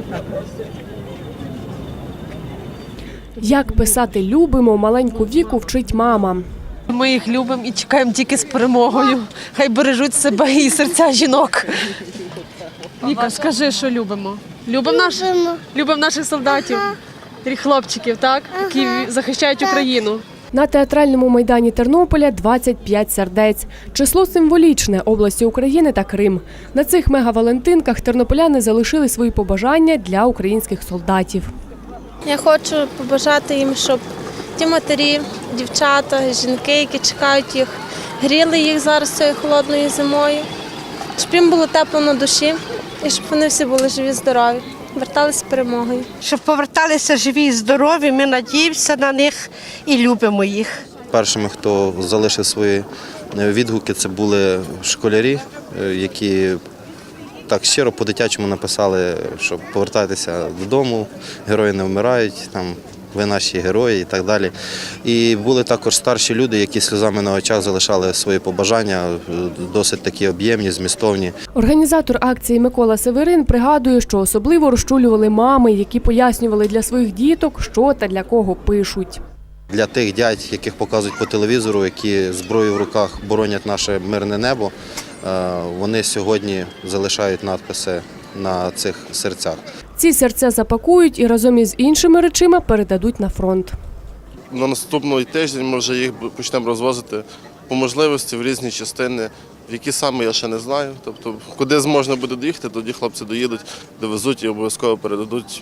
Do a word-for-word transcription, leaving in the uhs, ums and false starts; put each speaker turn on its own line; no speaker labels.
Як писати «любимо» маленьку Віку вчить мама.
Ми їх любимо і чекаємо тільки з перемогою. Хай бережуть себе і серця жінок. Віка, скажи, що любимо. Любимо наш, любимо наших солдатів, хлопчиків, так? Які захищають Україну.
На театральному майдані Тернополя двадцять п'ять сердець. Число символічне – області України та Крим. На цих мегавалентинках тернополяни залишили свої побажання для українських солдатів.
Я хочу побажати їм, щоб ті матері, дівчата, жінки, які чекають їх, гріли їх зараз цією холодною зимою, щоб їм було тепло на душі і щоб вони всі були живі, здорові, верталися з перемогою.
Щоб поверталися живі і здорові, ми надіємося на них і любимо їх.
Першими, хто залишив свої відгуки, це були школярі, які так щиро по-дитячому написали, що повертайтеся додому, герої не вмирають, там, ви наші герої і так далі. І були також старші люди, які сльозами на очах залишали свої побажання, досить такі об'ємні, змістовні.
Організатор акції Микола Северин пригадує, що особливо розчулювали мами, які пояснювали для своїх діток, що та для кого пишуть.
Для тих дядь, яких показують по телевізору, які зброєю в руках боронять наше мирне небо, вони сьогодні залишають надписи на цих серцях.
Ці серця запакують і разом із іншими речима передадуть на фронт.
На наступний тиждень ми вже їх почнемо розвозити по можливості в різні частини, в які саме я ще не знаю. Тобто, куди зможна буде доїхати, тоді хлопці доїдуть, довезуть і обов'язково передадуть